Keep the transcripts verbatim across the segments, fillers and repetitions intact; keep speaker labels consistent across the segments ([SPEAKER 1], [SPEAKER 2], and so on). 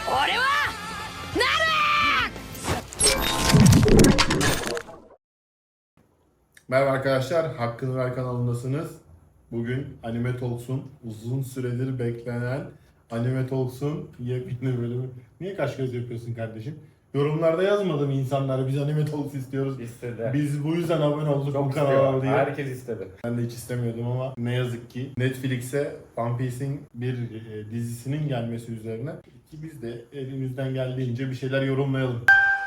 [SPEAKER 1] Merhaba arkadaşlar, Hakkını Ver kanalındasınız. Bugün Anime Talks'un uzun süredir beklenen Anime Talks'un yepyeni bölümü. Niye kaş göz yapıyorsun kardeşim? Yorumlarda yazmadım insanlara biz Anime Talks istiyoruz.
[SPEAKER 2] İstedi.
[SPEAKER 1] Biz bu yüzden abone olduk
[SPEAKER 2] Çok
[SPEAKER 1] bu kanala
[SPEAKER 2] istiyor.
[SPEAKER 1] diye.
[SPEAKER 2] Herkes istedi.
[SPEAKER 1] Ben de hiç istemiyordum ama ne yazık ki Netflix'e One Piece'in bir e, dizisinin gelmesi üzerine ki biz de elimizden geldiğince bir şeyler yorumlayalım.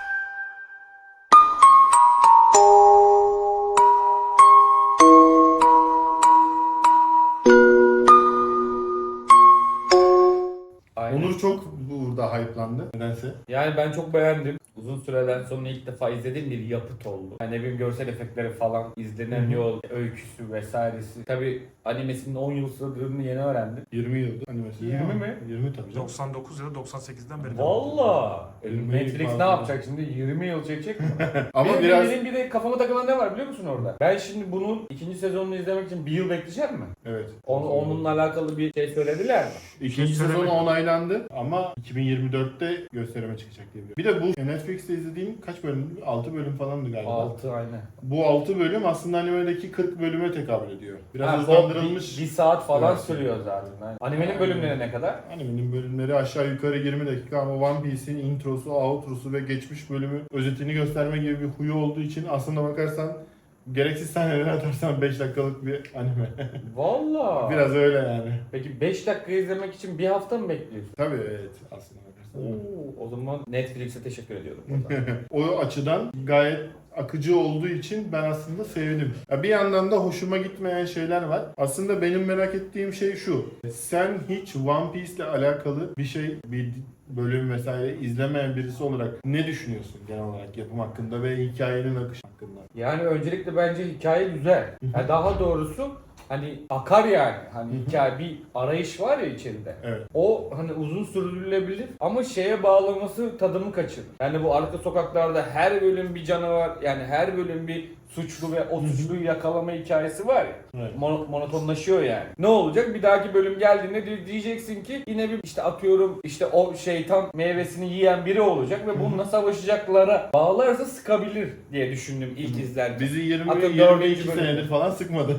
[SPEAKER 2] Aynen.
[SPEAKER 1] Onur çok burada hype'landı nedense.
[SPEAKER 2] Yani ben çok beğendim. Uzun süreden sonra ilk defa izlediğim bir yapıt oldu. Yani ne bileyim görsel efektleri falan, izlenen
[SPEAKER 1] Hı hı.
[SPEAKER 2] yol, öyküsü vesairesi. Tabi animesinin on yıl sürdüğünü yeni öğrendim.
[SPEAKER 1] yirmi yıldır animesi.
[SPEAKER 2] yirmi mi?
[SPEAKER 1] yirmi tabii canım.
[SPEAKER 3] doksan dokuz ya da doksan sekizden beri.
[SPEAKER 2] Valla.
[SPEAKER 1] yirmi
[SPEAKER 2] Netflix
[SPEAKER 1] fazla.
[SPEAKER 2] ne yapacak şimdi? yirmi yıl çekecek mi?
[SPEAKER 1] Ama
[SPEAKER 2] benim,
[SPEAKER 1] biraz
[SPEAKER 2] benim bir de kafama takılan ne var biliyor musun orada? Ben şimdi bunun ikinci sezonunu izlemek için bir yıl bekleyeceğim mi?
[SPEAKER 1] evet.
[SPEAKER 2] On, onunla alakalı bir şey söylediler mi?
[SPEAKER 1] İkinci
[SPEAKER 3] Söylemek-
[SPEAKER 1] sezonu onaylandı ama iki bin yirmi dörtte gösterime çıkacak diye biliyorum. Bir de bu Netflix'te izlediğim kaç bölüm? altı bölüm falandı galiba.
[SPEAKER 2] altı aynen.
[SPEAKER 1] Bu altı bölüm aslında animedeki kırk bölüme tekabül ediyor. Biraz
[SPEAKER 2] Ha,
[SPEAKER 1] hızlandırılmış.
[SPEAKER 2] Bir, bir saat falan
[SPEAKER 1] Evet.
[SPEAKER 2] sürüyor zaten. Yani animenin bölümleri ne kadar?
[SPEAKER 1] Animenin bölümleri aşağı yukarı yirmi dakika ama One Piece'in introsu, outrosu ve geçmiş bölümü özetini gösterme gibi bir huyu olduğu için aslında bakarsan gereksiz sahneleri atarsan beş dakikalık bir anime.
[SPEAKER 2] Valla.
[SPEAKER 1] Biraz öyle yani.
[SPEAKER 2] Peki beş dakika izlemek için bir hafta mı bekliyorsun?
[SPEAKER 1] Tabii evet aslında bakarsan.
[SPEAKER 2] Oo, o zaman Netflix'e teşekkür ediyorum. buradan.
[SPEAKER 1] O açıdan gayet akıcı olduğu için ben aslında sevindim. Ya bir yandan da hoşuma gitmeyen şeyler var. Aslında benim merak ettiğim şey şu. Sen hiç One Piece ile alakalı bir şey, bir bölüm vesaire izlemeyen birisi olarak ne düşünüyorsun genel olarak yapım hakkında ve hikayenin akışı hakkında?
[SPEAKER 2] Yani öncelikle bence hikaye güzel. Yani daha doğrusu hani akar yani. Hani hikaye bir arayış var ya içeride.
[SPEAKER 1] Evet.
[SPEAKER 2] O hani uzun sürdürülebilir ama şeye bağlaması tadımı kaçırır. Yani bu arka sokaklarda her bölüm bir canavar, yani her bölüm bir suçlu ve o suçluyu yakalama hikayesi var ya.
[SPEAKER 1] Evet.
[SPEAKER 2] Mono- monotonlaşıyor yani. Ne olacak? Bir dahaki bölüm geldiğinde di- diyeceksin ki yine bir işte atıyorum işte o şeytan meyvesini yiyen biri olacak ve bununla savaşacaklara bağlarsa sıkabilir diye düşündüm ilk izlerken.
[SPEAKER 1] Bizi yirmi
[SPEAKER 2] Hatta
[SPEAKER 1] yirmi
[SPEAKER 2] dördüncü
[SPEAKER 1] iki
[SPEAKER 2] bölüm.
[SPEAKER 1] senedir falan sıkmadı.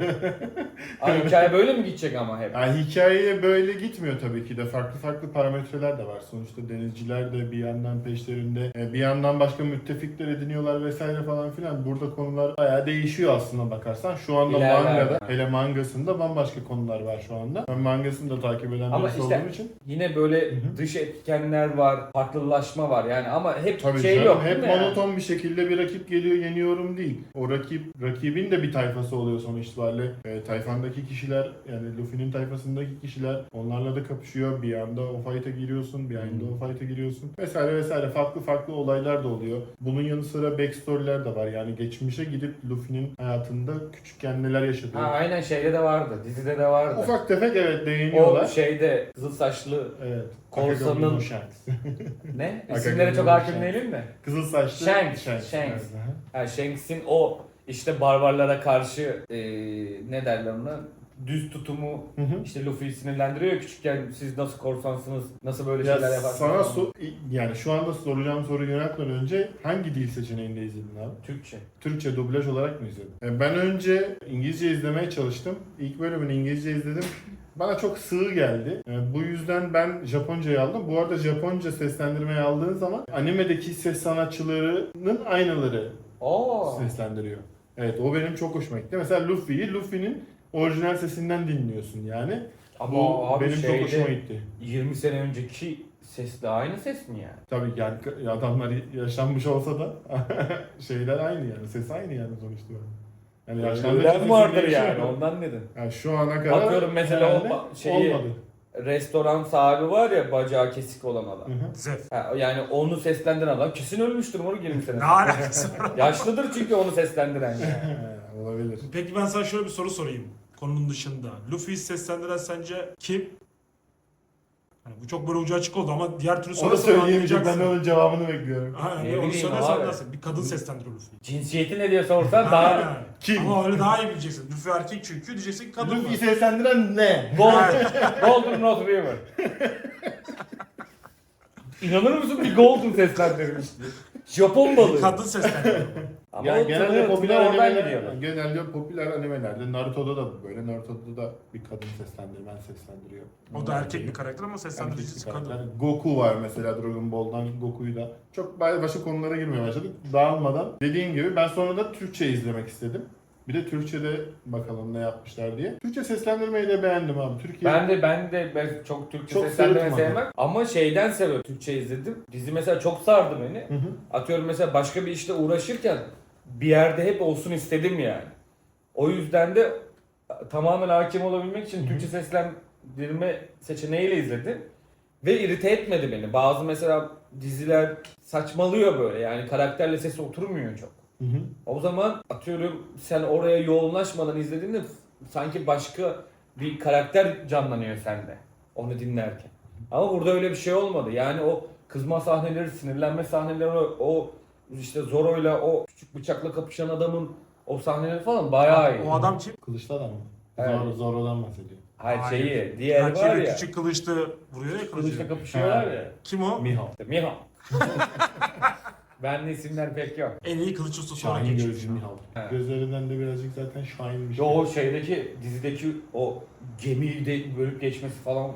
[SPEAKER 2] Abi hikaye böyle mi gidecek ama hep?
[SPEAKER 1] Yani hikayeye böyle gitmiyor tabii ki de. Farklı farklı parametreler de var. Sonuçta denizciler de bir yandan peşlerinde, e, bir yandan başka müttefikler ediniyorlar vesaire falan filan. Burada konular bayağı değişiyor aslında bakarsan. Şu anda
[SPEAKER 2] İlerler
[SPEAKER 1] mangada,
[SPEAKER 2] yani.
[SPEAKER 1] hele mangasında bambaşka konular var şu anda. Ben mangasını da takip eden
[SPEAKER 2] Ama
[SPEAKER 1] birisi
[SPEAKER 2] işte
[SPEAKER 1] olduğum için.
[SPEAKER 2] yine böyle
[SPEAKER 1] Hı hı.
[SPEAKER 2] dış etkenler var, farklılaşma var yani ama hep
[SPEAKER 1] Tabii
[SPEAKER 2] şey
[SPEAKER 1] canım,
[SPEAKER 2] yok
[SPEAKER 1] hep
[SPEAKER 2] değil mi yani?
[SPEAKER 1] monoton bir şekilde bir rakip geliyor yeniyorum değil. O rakip, rakibin de bir tayfası oluyor sonuç itibariyle. E, tayfandaki kişiler, yani Luffy'nin tayfasındaki kişiler onlarla da kapışıyor. Bir anda o fight'a giriyorsun, bir anda
[SPEAKER 2] Hmm.
[SPEAKER 1] o fight'a giriyorsun. Vesaire vesaire farklı farklı olaylar da oluyor. Bunun yanı sıra backstory'ler de var. Yani geçmişe gidip Luffy'nin hayatında küçükken neler yaşadığı.
[SPEAKER 2] Ha, aynen şeyde de vardı, dizide de vardı.
[SPEAKER 1] Ufak tefek evet
[SPEAKER 2] O
[SPEAKER 1] değiniyorlar.
[SPEAKER 2] şeyde kızıl saçlı
[SPEAKER 1] Evet.
[SPEAKER 2] Korsanın-
[SPEAKER 1] Akagami Shanks.
[SPEAKER 2] ne?
[SPEAKER 1] Akagami
[SPEAKER 2] İsimlere çok
[SPEAKER 1] Shanks.
[SPEAKER 2] hakim değilim de.
[SPEAKER 1] Kızıl saçlı
[SPEAKER 2] Shanks,
[SPEAKER 1] Shanks.
[SPEAKER 2] Shanks.
[SPEAKER 1] Evet, aha.
[SPEAKER 2] Ha, Shanks'in o işte barbarlara karşı eee ne derler ona? Düz tutumu
[SPEAKER 1] Hı hı.
[SPEAKER 2] işte Luffy'yi sinirlendiriyor ya küçükken siz nasıl korsansınız, nasıl böyle
[SPEAKER 1] Ya
[SPEAKER 2] şeyler yaparsınız?
[SPEAKER 1] sana
[SPEAKER 2] falan.
[SPEAKER 1] so- yani şu anda soracağım soruyu yöneltmeden önce hangi dil seçeneğinde izledin abi?
[SPEAKER 2] Türkçe.
[SPEAKER 1] Türkçe dublaj olarak mı izledin? E, Ben önce İngilizce izlemeye çalıştım. İlk bölümünü İngilizce izledim. Bana çok sığ geldi. E, Bu yüzden ben Japonca'yı aldım. Bu arada Japonca seslendirmeyi aldığın zaman animedeki ses sanatçılarının aynaları
[SPEAKER 2] Oo.
[SPEAKER 1] seslendiriyor. Evet o benim çok hoşuma gitti. Mesela Luffy'yi Luffy'nin orijinal sesinden dinliyorsun yani.
[SPEAKER 2] Ama
[SPEAKER 1] Bu
[SPEAKER 2] abi
[SPEAKER 1] benim
[SPEAKER 2] şeyde,
[SPEAKER 1] çok hoşuma gitti.
[SPEAKER 2] yirmi sene önceki sesle aynı ses mi yani?
[SPEAKER 1] Tabii yani adamlar yaşanmış olsa da şeyler aynı yani. Ses aynı yani sonuçta. Yani yaşlandıkça
[SPEAKER 2] Ölen
[SPEAKER 1] sesin
[SPEAKER 2] vardır
[SPEAKER 1] değişiyor.
[SPEAKER 2] yani ondan dedim.
[SPEAKER 1] Yani şu ana kadar
[SPEAKER 2] Bakıyorum mesela o
[SPEAKER 1] herhalde
[SPEAKER 2] ba- şeyi-
[SPEAKER 1] olmadı.
[SPEAKER 2] Restoran sahibi var ya bacağı kesik olan adam.
[SPEAKER 1] Hı hı.
[SPEAKER 3] Zef.
[SPEAKER 2] Ha, yani onu seslendiren adam kesin ölmüştür onu yirmi sene.
[SPEAKER 3] Ne alakası var?
[SPEAKER 2] Yaşlıdır çünkü onu seslendiren yani.
[SPEAKER 1] He, olabilir.
[SPEAKER 3] Peki ben sana şöyle bir soru sorayım. Konunun dışında. Luffy'yi seslendiren sence kim? Hani bu çok böyle ucu açık oldu ama diğer türlü
[SPEAKER 1] Onu
[SPEAKER 3] sorarsan
[SPEAKER 1] söyleyemeyecek. Ben de
[SPEAKER 3] anlayacaksın.
[SPEAKER 1] onun cevabını bekliyorum.
[SPEAKER 3] Aynen,
[SPEAKER 2] Ne
[SPEAKER 3] böyle onu
[SPEAKER 2] bileyim
[SPEAKER 3] söylersen
[SPEAKER 2] abi.
[SPEAKER 3] anlarsın. Bir kadın seslendiriyor Luffy'yi.
[SPEAKER 2] Cinsiyeti ne diye sorsan daha...
[SPEAKER 3] Aynen.
[SPEAKER 1] Kim?
[SPEAKER 3] Ama öyle daha iyi bileceksin. Luffy erkek çünkü diyeceksin ki kadın mı?
[SPEAKER 1] Luffy'yi seslendiren ne?
[SPEAKER 2] Golden, Golden North River. İnanır mısın bir Golden seslendirmişti. Japon balığı.
[SPEAKER 3] Kadın seslendiriyor.
[SPEAKER 2] Ama
[SPEAKER 1] Yani
[SPEAKER 2] o
[SPEAKER 1] genelde
[SPEAKER 2] tınıyor,
[SPEAKER 1] popüler
[SPEAKER 2] tınıyor, oradan
[SPEAKER 1] animeler,
[SPEAKER 2] gidiyorlar.
[SPEAKER 1] genelde popüler animelerde Naruto'da da böyle. Naruto'da da bir kadın seslendirmen seslendiriyor.
[SPEAKER 3] O da erkek bir karakter ama
[SPEAKER 1] Erkek
[SPEAKER 3] seslendiricisi
[SPEAKER 1] bir karakter.
[SPEAKER 3] kadın.
[SPEAKER 1] Goku var mesela Dragon Ball'dan Goku'yu da. Çok başka konulara girmeye başladık. Dağılmadan. Dediğim gibi ben sonra da Türkçe izlemek istedim. Bir de Türkçe'de bakalım ne yapmışlar diye. Türkçe seslendirmeyi de beğendim abi. Türkiye
[SPEAKER 2] Ben de ben de ben çok Türkçe
[SPEAKER 1] Çok
[SPEAKER 2] seslendirme
[SPEAKER 1] sırıtmadı.
[SPEAKER 2] sevmem ama şeyden seviyorum. Türkçe izledim. Dizi mesela çok sardı beni.
[SPEAKER 1] Hı hı.
[SPEAKER 2] Atıyorum mesela başka bir işte uğraşırken bir yerde hep olsun istedim yani. O yüzden de tamamen hakim olabilmek için
[SPEAKER 1] Hı hı.
[SPEAKER 2] Türkçe seslendirme seçeneğiyle izledim. Ve irite etmedi beni. Bazı mesela diziler saçmalıyor böyle yani karakterle sesi oturmuyor çok.
[SPEAKER 1] Hı hı.
[SPEAKER 2] O zaman atıyorum sen oraya yoğunlaşmadan izlediğinde sanki başka bir karakter canlanıyor sende onu dinlerken. Ama burada öyle bir şey olmadı. Yani o kızma sahneleri, sinirlenme sahneleri, o işte Zoro'yla o küçük bıçakla kapışan adamın o sahneleri falan bayağı iyi.
[SPEAKER 3] O adam kim?
[SPEAKER 1] Kılıçlı adam mı?
[SPEAKER 2] Evet.
[SPEAKER 1] Zor, Zoro'dan bahsediyor.
[SPEAKER 2] Hayır
[SPEAKER 3] Hayır.
[SPEAKER 2] şeyi, diğeri var
[SPEAKER 3] Rakibi
[SPEAKER 2] ya.
[SPEAKER 3] küçük kılıçlı vuruyor ya
[SPEAKER 2] Kılıçla
[SPEAKER 3] kılıcı.
[SPEAKER 2] kapışıyorlar
[SPEAKER 1] Ha.
[SPEAKER 2] ya.
[SPEAKER 3] Kim o?
[SPEAKER 1] Mihawk.
[SPEAKER 2] İşte Mihawk. Bende isimler pek yok.
[SPEAKER 3] En iyi kılıç ustası olarak
[SPEAKER 1] Şahin
[SPEAKER 3] geçiyor.
[SPEAKER 1] gözlü Mihawk.
[SPEAKER 2] Ha.
[SPEAKER 1] Gözlerinden de birazcık zaten Şahin'miş.
[SPEAKER 2] Yo, o şeydeki dizideki o gemiyi de bölüp geçmesi falan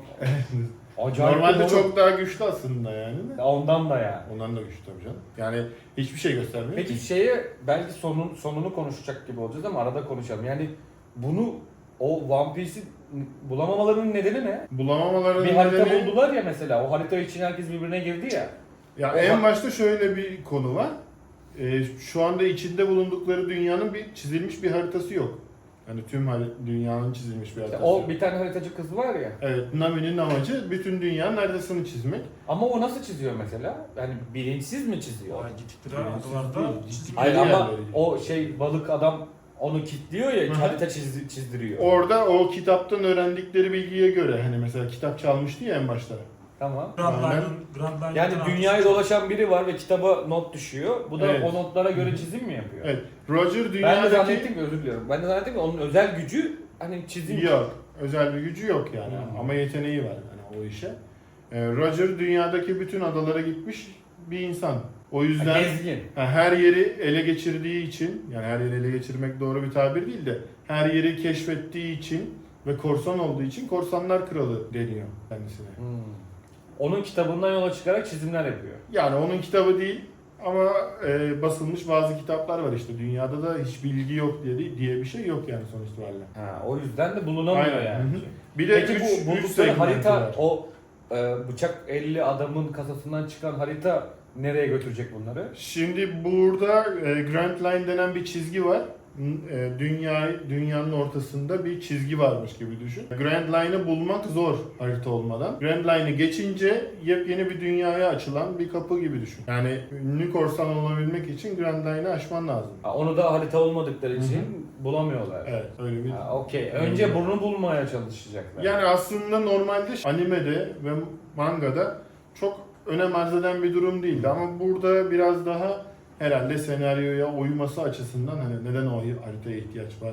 [SPEAKER 2] acayip.
[SPEAKER 1] Normalde
[SPEAKER 2] bir
[SPEAKER 1] çok daha güçlü aslında yani. de.
[SPEAKER 2] ondan da yani.
[SPEAKER 1] Ondan da güçlü tabii canım. Yani hiçbir şey göstermiyor.
[SPEAKER 2] Peki
[SPEAKER 1] ki.
[SPEAKER 2] şeye belki sonun sonunu konuşacak gibi olacağız ama arada konuşalım. Yani bunu o One Piece'i bulamamalarının nedeni ne?
[SPEAKER 1] Bulamamaların
[SPEAKER 2] Bir harita
[SPEAKER 1] nedeni...
[SPEAKER 2] buldular ya mesela. O harita için herkes birbirine girdi ya.
[SPEAKER 1] Ya
[SPEAKER 2] O
[SPEAKER 1] en
[SPEAKER 2] bak-
[SPEAKER 1] başta şöyle bir konu var. Ee, şu anda içinde bulundukları dünyanın bir çizilmiş bir haritası yok. Hani tüm hari- dünyanın çizilmiş bir
[SPEAKER 2] İşte
[SPEAKER 1] haritası
[SPEAKER 2] o
[SPEAKER 1] yok.
[SPEAKER 2] bir tane haritacı kız var ya.
[SPEAKER 1] Evet, Nami'nin amacı bütün dünyanın haritasını çizmek.
[SPEAKER 2] Ama o nasıl çiziyor mesela? Yani bilinçsiz mi çiziyor?
[SPEAKER 3] Ya gittikleri
[SPEAKER 1] Bilinçsiz
[SPEAKER 3] adalarda
[SPEAKER 1] değil,
[SPEAKER 3] çizim.
[SPEAKER 2] Hayır
[SPEAKER 1] Belli
[SPEAKER 2] ama
[SPEAKER 1] yerleri.
[SPEAKER 2] o şey balık adam onu kilitliyor ya,
[SPEAKER 1] Hı hı.
[SPEAKER 2] harita çiz- çizdiriyor.
[SPEAKER 1] Orada o kitaptan öğrendikleri bilgiye göre hani mesela kitap çalmıştı ya en başta.
[SPEAKER 2] Tamam.
[SPEAKER 3] Grand
[SPEAKER 1] Aynen.
[SPEAKER 3] Line'ın Grand Line'ın
[SPEAKER 2] Yani
[SPEAKER 3] arkası-
[SPEAKER 2] dünyayı dolaşan biri var ve kitaba not düşüyor. Bu da
[SPEAKER 1] Evet.
[SPEAKER 2] o notlara göre çizim mi yapıyor?
[SPEAKER 1] Evet, Roger
[SPEAKER 2] Ben de
[SPEAKER 1] dünyadaki...
[SPEAKER 2] zannettim ki özür diliyorum. Ben de zannettim ki onun özel gücü hani çizim.
[SPEAKER 1] Yok, özel bir gücü yok yani
[SPEAKER 2] Hmm.
[SPEAKER 1] ama yeteneği var yani o işe. Ee, Roger dünyadaki bütün adalara gitmiş bir insan. O
[SPEAKER 2] Ha,
[SPEAKER 1] yüzden
[SPEAKER 2] gezgin.
[SPEAKER 1] ha, her yeri ele geçirdiği için, yani her yeri ele geçirmek doğru bir tabir değil de her yeri keşfettiği için ve korsan olduğu için Korsanlar Kralı deniyor kendisine.
[SPEAKER 2] Hmm. Onun kitabından yola çıkarak çizimler yapıyor.
[SPEAKER 1] Yani onun kitabı değil ama e, basılmış bazı kitaplar var işte. Dünyada da hiç bilgi yok diye diye bir şey yok yani sonuç itibariyle.
[SPEAKER 2] Ha, o yüzden de bulunamıyor
[SPEAKER 1] Aynen.
[SPEAKER 2] yani.
[SPEAKER 1] Hı hı. Bir de
[SPEAKER 2] Peki
[SPEAKER 1] üç,
[SPEAKER 2] bu
[SPEAKER 1] üç
[SPEAKER 2] buldukları
[SPEAKER 1] segmenti
[SPEAKER 2] harita
[SPEAKER 1] var.
[SPEAKER 2] o e, bıçak elli adamın kasasından çıkan harita nereye götürecek bunları?
[SPEAKER 1] Şimdi burada e, Grand Line denen bir çizgi var. N- E, dünya dünyanın ortasında bir çizgi varmış gibi düşün. Grand Line'ı bulmak zor harita olmadan. Grand Line'ı geçince yepyeni bir dünyaya açılan bir kapı gibi düşün. Yani ünlü korsan olabilmek için Grand Line'ı aşman lazım.
[SPEAKER 2] Ha, onu da harita olmadıkları
[SPEAKER 1] Hı hı.
[SPEAKER 2] için bulamıyorlar.
[SPEAKER 1] Evet, öyle bir.
[SPEAKER 2] Ha, okey. Önce bunu bulmaya çalışacaklar.
[SPEAKER 1] Yani aslında normalde animede ve mangada çok önem arz eden bir durum değildi ama burada biraz daha herhalde senaryoya uyması açısından hani neden o haritaya ihtiyaç var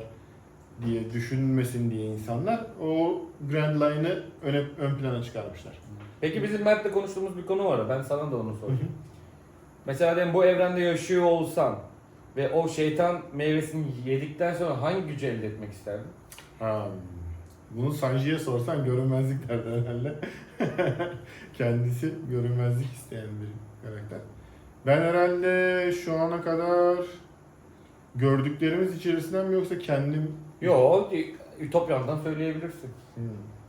[SPEAKER 1] diye düşünmesin diye insanlar o Grand Line'ı öne, ön plana çıkarmışlar.
[SPEAKER 2] Peki bizim Mert'le konuştuğumuz bir konu var. Ben sana da onu sorayım. Mesela diyelim bu evrende yaşıyor olsan ve o şeytan meyvesini yedikten sonra hangi gücü elde etmek isterdin?
[SPEAKER 1] Ha, bunu Sanji'ye sorsan görünmezlik derdi herhalde. Kendisi görünmezlik isteyen bir karakter. Ben herhalde şu ana kadar gördüklerimiz içerisinden mi yoksa kendim...
[SPEAKER 2] Yo, Ütopya'dan söyleyebilirsin.
[SPEAKER 1] Hmm.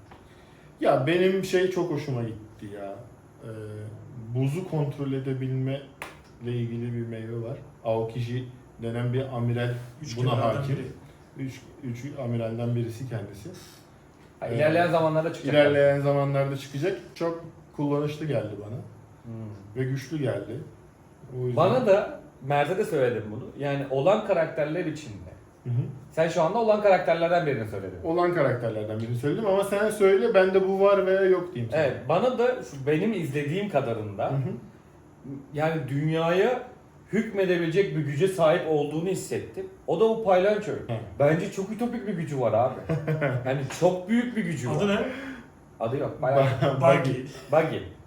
[SPEAKER 1] Ya benim şey çok hoşuma gitti ya. Ee, buzu kontrol edebilme ile ilgili bir meyve var. Aokiji denen bir amiral
[SPEAKER 3] Üç
[SPEAKER 1] buna
[SPEAKER 3] kenardan
[SPEAKER 1] hakim.
[SPEAKER 3] biri.
[SPEAKER 1] Üç, üç amiralden birisi kendisi.
[SPEAKER 2] Ha,
[SPEAKER 1] Evet.
[SPEAKER 2] ilerleyen zamanlarda çıkacak.
[SPEAKER 1] İlerleyen zamanlarda çıkacak. Çok kullanışlı geldi bana.
[SPEAKER 2] Hmm.
[SPEAKER 1] Ve güçlü geldi. O yüzden...
[SPEAKER 2] Bana da Mert'e de söyledim bunu. Yani olan karakterler içinde.
[SPEAKER 1] Hı hı.
[SPEAKER 2] Sen şu anda olan karakterlerden birini söyledin.
[SPEAKER 1] Olan karakterlerden birini söyledim ama sen söyle bende bu var veya yok diyeyim sana.
[SPEAKER 2] Evet, bana da şu benim izlediğim kadarında
[SPEAKER 1] Hı hı.
[SPEAKER 2] yani dünyaya hükmedebilecek bir güce sahip olduğunu hissettim. O da o Paylanço. Bence çok ütopik bir gücü var abi. Yani çok büyük bir gücü var.
[SPEAKER 3] Adı ne?
[SPEAKER 2] Adı yok. Bayağı.
[SPEAKER 3] Buggy.
[SPEAKER 2] Buggy.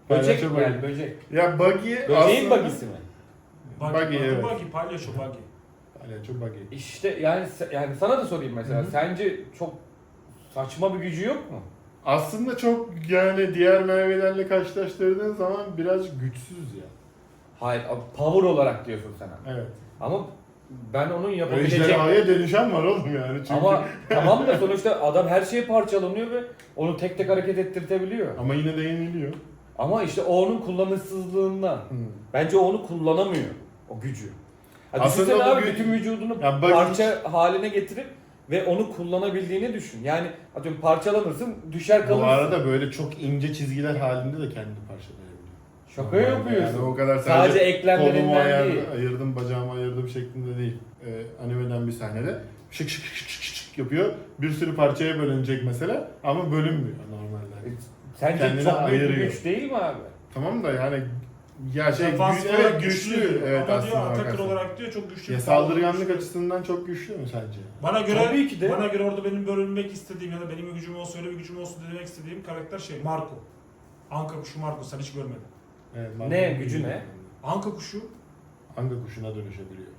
[SPEAKER 2] Böcek
[SPEAKER 1] Palyaço
[SPEAKER 2] yani
[SPEAKER 1] Buggy.
[SPEAKER 2] böcek.
[SPEAKER 1] Ya Buggy
[SPEAKER 2] Böceğin
[SPEAKER 1] aslında...
[SPEAKER 2] bagisi mi?
[SPEAKER 3] Buggy,
[SPEAKER 1] Buggy,
[SPEAKER 3] buggy,
[SPEAKER 1] evet.
[SPEAKER 3] buggy, palyaço buggy.
[SPEAKER 1] Palyaço Buggy.
[SPEAKER 2] İşte yani se- yani sana da sorayım mesela.
[SPEAKER 1] Hı hı.
[SPEAKER 2] Sence çok saçma bir gücü yok mu?
[SPEAKER 1] Aslında çok yani diğer meyvelerle karşılaştırdığın zaman biraz güçsüz ya.
[SPEAKER 2] Hayır, power olarak diyorsun sen ama.
[SPEAKER 1] Evet.
[SPEAKER 2] Ama ben onun yapabilecek...
[SPEAKER 1] Ejderhaya dönüşen var oğlum yani çünkü.
[SPEAKER 2] Ama tamam da sonuçta adam her şeye parçalanıyor ve onu tek tek hareket ettirtebiliyor.
[SPEAKER 1] Ama yine de yeniliyor.
[SPEAKER 2] Ama işte o onun kullanışsızlığından. Bence o onu kullanamıyor, o gücü. Ha,
[SPEAKER 1] Aslında
[SPEAKER 2] düşünsene
[SPEAKER 1] bu
[SPEAKER 2] abi
[SPEAKER 1] güç-
[SPEAKER 2] bütün vücudunu
[SPEAKER 1] Ya bak-
[SPEAKER 2] parça haline getirip ve onu kullanabildiğini düşün. Yani atıyorum parçalanırsın, düşer
[SPEAKER 1] Bu
[SPEAKER 2] kalırsın.
[SPEAKER 1] arada böyle çok ince çizgiler halinde de kendini parçalayabiliyor.
[SPEAKER 2] Şaka
[SPEAKER 1] Normalde
[SPEAKER 2] yapıyorsun.
[SPEAKER 1] Yani o kadar
[SPEAKER 2] Sadece
[SPEAKER 1] sadece,
[SPEAKER 2] eklemlerinden
[SPEAKER 1] kolumu ayar,
[SPEAKER 2] değil.
[SPEAKER 1] ayırdım, bacağımı ayırdım şeklinde değil. Ee, animeden bir sahnede şık şık şık şık şık yapıyor. Bir sürü parçaya bölünecek mesela ama bölünmüyor normalde.
[SPEAKER 2] Sence
[SPEAKER 1] Kendini
[SPEAKER 2] çok büyük bir
[SPEAKER 1] ayırıyor.
[SPEAKER 2] güç değil mi abi?
[SPEAKER 1] Tamam da yani ya şey
[SPEAKER 3] Defans
[SPEAKER 1] güç,
[SPEAKER 3] olarak
[SPEAKER 1] evet güçlü,
[SPEAKER 3] güçlü.
[SPEAKER 1] evet
[SPEAKER 3] Ama
[SPEAKER 1] aslında
[SPEAKER 3] diyor atakır
[SPEAKER 1] bakarsan.
[SPEAKER 3] olarak diyor çok güçlü.
[SPEAKER 1] Ya
[SPEAKER 3] bir saldırı
[SPEAKER 1] saldırganlık
[SPEAKER 3] güçlü.
[SPEAKER 1] açısından çok güçlü mü sence?
[SPEAKER 3] Bana göre
[SPEAKER 2] Tabii ki de.
[SPEAKER 3] bana göre orada benim bölünmek istediğim ya da benim bir gücüm olsun öyle bir gücüm olsun demek istediğim karakter şey Marco. Anka kuşu Marco sen hiç görmedin.
[SPEAKER 1] Evet,
[SPEAKER 2] Ne, gücü ne?
[SPEAKER 3] Anka kuşu
[SPEAKER 1] Hangi kuşuna dönüşebiliyor?